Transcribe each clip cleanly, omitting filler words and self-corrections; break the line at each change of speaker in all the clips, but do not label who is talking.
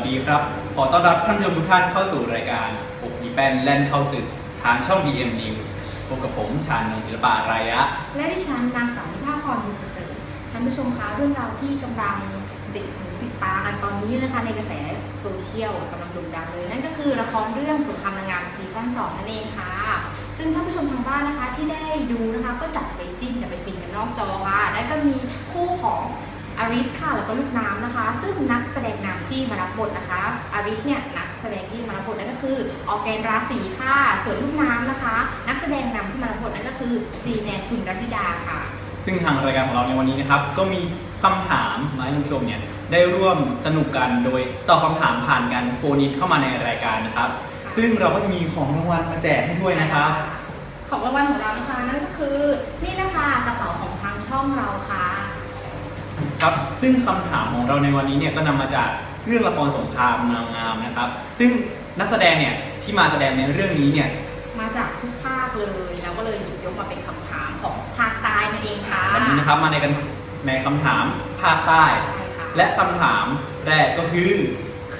ดีครับขอต้อนรับท่านผู้ชมทุกท่านเข้าสู่รายการปุกอีแปนแล่นเข้าตึกทางช่อง BM News พบกับผมชาญนนท์ศิลปะอารยะ
และดิฉันนางสาวนิพาพรบุญประเสริฐท่านผู้ชมคะเรื่องราวที่กำลังติดตามกันตอนนี้นะคะในกระแสโซเชียลกำลังโด่งดังเลยนั่นก็คือละครเรื่องสงครามนางงามซีซั่น 2นั่นเองค่ะซึ่งท่านผู้ชมทางบ้านนะคะที่ได้ดูนะคะก็จัดไปจิ้นจะไปฟินกันนอกจอค่ะและก็มีคู่ของอาริสค่ะแล้วก็ลูกน้ำนะคะซึ่งนักแสดงนำที่มารับบทนะคะอาริสเนี่ยนักแสดงที่มารับบทนั่นก็คือออร์แกนราศีค่ะส่วนลูกน้ำนะคะนักแสดงนำที่มารับบทนั่นก็คือซีแนนคุณรัตติดาค่ะ
ซึ่งทางรายการของเราในวันนี้นะครับก็มีคำถามมาให้ท่านผู้ชมเนี่ยได้ร่วมสนุกกันโดยตอบคำถามผ่านกันโฟนอินเข้ามาในรายการนะครับซึ่งเราก็จะมีของรางวัลมาแจกให้ด้วยนะครับ
ของรางวัลของเรานะคะนั่นก็คือนี่แหละค่ะกระเป๋าของทางช่องเราค่ะ
ครับซึ่งคำถามของเราในวันนี้เนี่ยก็นำมาจากเรื่องละครสงครามนางงามนะครับซึ่งนักแสดงเนี่ยที่มาแสดงในเรื่องนี้เนี่ย
มาจากทุกภาคเลยแล้วก็เลยหยิบยกมาเป็นคำถามของภาคใต้นั่นเองค่ะ
วันนี้นะครับมาในคำถามภาคใต้และคำถามแรกก็คือเค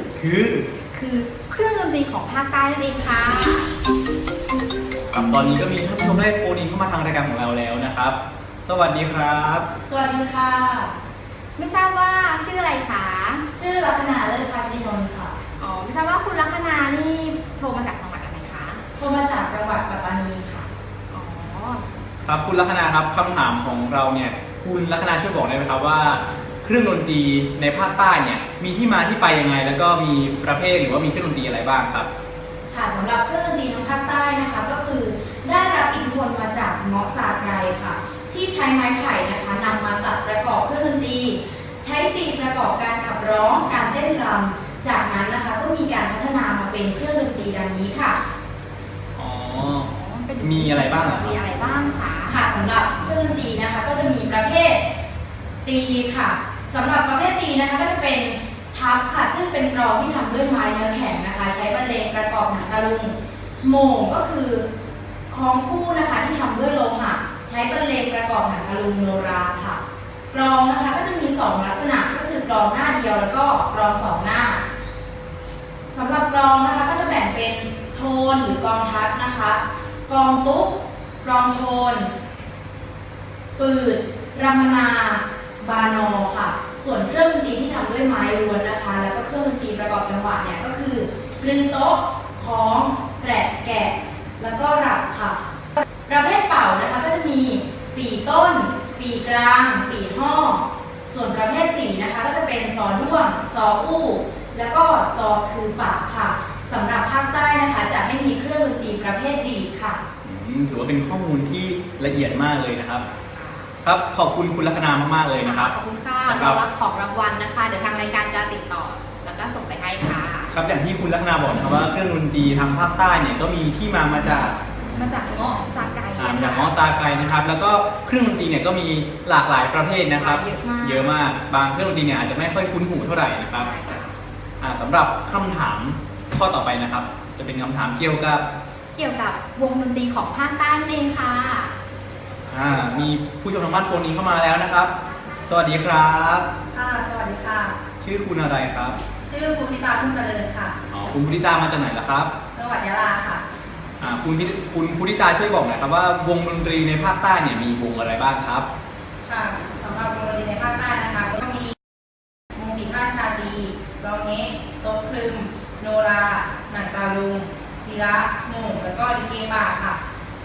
รื่องดนตรีของภาคใต้นั่นเองค่ะ
ครับตอนนี้ก็มีท่านผู้ชมได้โฟนอินเข้ามาทางรายการของเราแล้วนะครับสวัสดีครับ
สวัสดีค่ะ
ไม่ทราบว่าชื่ออะไรคะ
ชื่อลักษณะเลิศพัฒนินนท์ค่ะ
อ๋อไม่ทราบว่าคุณลัคนานี่โทรมาจากจังหวัดอะไรคะ
โทรมาจากจังหวัดปัตตานีค่ะ
อ๋อ
ครับคุณลัคนาครับคำถามของเราเนี่ยคุณลัคนาช่วยบอกได้ไหมครับว่าเครื่องดนตรีในภาคใต้เนี่ยมีที่มาที่ไปยังไงแล้วก็มีประเภทหรือว่ามีเครื่องดนตรีอะไรบ้างครับ
ค่ะสำหรับเครื่องดนตรีทางภาคใต้นะคะก็คือได้รับอิทธิพลมาจากเงาะสาไกรค่ะที่ใช้ไม้ไผ่นะคะนำมาตัดประกอบเครื่องดนตรีใช้ตีประกอบการขับร้องการเต้นรำจากนั้นนะคะก็มีการพัฒนามาเป็นเครื่องดนตรีดังนี้ค่ะ
อ๋อมีอะไรบ้าง
มีอะไรบ้างคะ
ค่ะสำหรับเครื่องดนตรีนะคะก็จะมีประเภทตีค่ะสำหรับประเภทตีนะคะก็จะเป็นทับค่ะซึ่งเป็นกลองที่ทำด้วยไม้เนื้อแข็งนะคะใช้บรรเลงประกอบหนังตะลุงโหม่งก็คือคล้องคู่นะคะที่ทำด้วยโลหะใช้บรรเลงประกอบหนังตะลุงโนราค่ะกลองนะคะก็จะมี2ลักษณะก็คือกลองหน้าเดียวแล้วก็กลอง2หน้าสำหรับกลองนะคะก็จะแบ่งเป็นโทนหรือกลองทัดนะคะกลองตุ๊กกลองโทนปืดรามนาบานอค่ะส่วนเครื่องดนตรีที่ทำด้วยไม้ล้วนนะคะแล้วก็เครื่องดนตรีประกอบจังหวะเนี่ยก็คือปลือโต๊ะคล้องแตะแกะแล้วก็รับค่ะประเภทเป่านะคะก็จะมีปี่ต้นปี่กลางปี่ห้อส่วนประเภทสีนะคะก็จะเป็นซอด้วงซออู้แล้วก็ซอคือปากค่ะสำหรับภาคใต้นะคะจะไม่มีเครื่องดนตรีประเภทดีดค่ะ
ถือว่าเป็นข้อมูลที่ละเอียดมากเลยนะครับครับขอบคุณคุณลัคนามากๆเลยนะครับ
ขอบคุณค่ะเรารับของรางวัลนะคะเดี๋ยวทางรายการจะติดต่อแล้วก็ส่งไปให้ค่ะ
ครับอย่างที่คุณลัคนาบอกนะครับว่าเครื่องดนตรีทางภาคใต้เนี่ยก็มีที่มาจาก
เงาะซาไก
จากเงาะซาไกนะครับแล้วก็เครื่องดนตรีเนี่ยก็มีหลากหลายประเภทนะครับเยอะมากบางเครื่องดนตรีเนี่ยอาจจะไม่ค่อยคุ้นหูเท่าไหร่นะครับสำหรับคำถามข้อต่อไปนะครับจะเป็นคำถามเกี่ยวกับ
วงดนตรีของภาคใต้นั่นเองค่ะ
มีผู้ชมทางบ้านโฟนนี้เข้ามาแล้วนะครับสวัสดีครับ
ค่ะสวัสดีค่ะ
ชื่อคุณอะไรครับ
ชื่อภูริตาพุ่มเจริญค่ะ
คุณภูริตามาจากไหนล่ะครับ
จังหวัดยะลาค่ะ
คุณภูริตาช่วยบอกหน่อยครับว่าวงดนตรีในภาคใต้เนี่ยมีวงอะไรบ้างครับ
ค่ะสำหรับวงดนตรีในภาคใต้นะคะก็มีวงปีพาชาดีร้องเงะโต๊ะคลึมโนราหนังตาลุงศิระหมู่แล้วก็ลิเกป่าค่ะ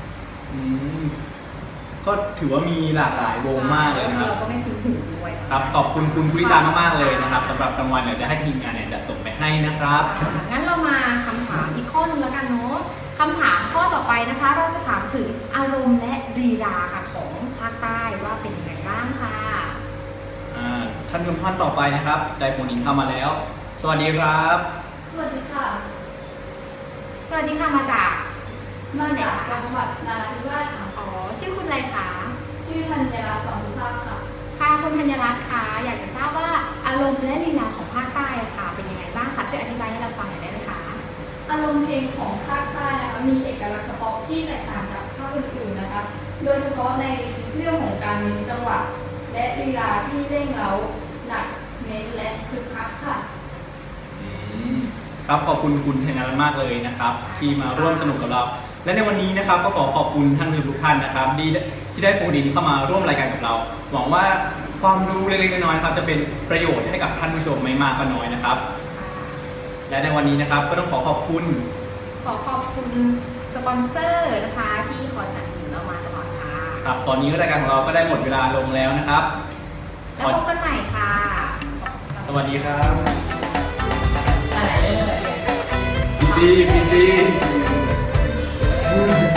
ก็ถือว่ามีหลากหลายวงมากเลยนะครับ
เราก็ไม่คุ้นหูด้วย
ครับขอบคุณคุณภูริตามากๆเลยนะครับสำหรับรางวัลเดี๋ยวจะให้ทีมงานเนี่ยจะส่งไปให้นะครับ
งั้นเรามาคำถามอีกข้อนึงแล้วกันเนาะคำถามข้อต่อไปนะคะเราจะถามถึงอารมณ์และลีลาค่ะของภาคใต้ว่าเป็นยังไงบ้างค่ะ
ท่านผู้ชมท่านต่อไปนะครับได้โฟนอินเข้ามาแล้วสวัสดีครับ
สวัสดีค่ะ
สวัสดีค่ะมาจาก
จังหวัดนราธิวาสค่ะ
อ๋อชื่อคุณอะไรคะ
ชื่อธัญรัตน์สอนสุภาพค่ะ
ค่ะคุณธัญรัตน์คะอยากจะทราบว่าอารมณ์และลีลาของภาคใต้ค่ะเป็นยังไงบ้างคะช่วยอธิบายให้เราฟังหน่อยได้ไหมคะ
อารมณ์เพลงของภาคใต้นะคะมีเอกลักษณ์เฉพาะที่แตกต่างจากภาคอื่นๆนะคะโดยเฉพาะในเรื่องของการเน้นจังหวะและลีลาที่เร่งเร้าหนักเน้นและคึกคักค่ะ
ครับขอบคุณคุณธัญรัตน์มากเลยนะครับ ที่มาร่วมสนุกกับเรา และในวันนี้นะครับก็ขอขอบคุณท่านผู้ชมทุกท่านนะครับที่ได้โฟนอินเข้ามาร่วมรายการกับเรา หวังว่าความรู้เล็กๆน้อยๆนะครับจะเป็นประโยชน์ให้กับท่านผู้ชมไม่มากก็น้อยนะครับ และในวันนี้นะครับก็ต้องขอขอบคุณ
ขอขอบคุณสปอนเซอร์นะคะที่คอยสนับสนุนเรามาตลอดค่ะ
ครับตอนนี้รายการของเราก็ได้หมดเวลาลงแล้วนะครับ
แล้วพบกันใหม่ค่ะ
สวัสดีครับ
อะไรเรื่องอะไร
พีซี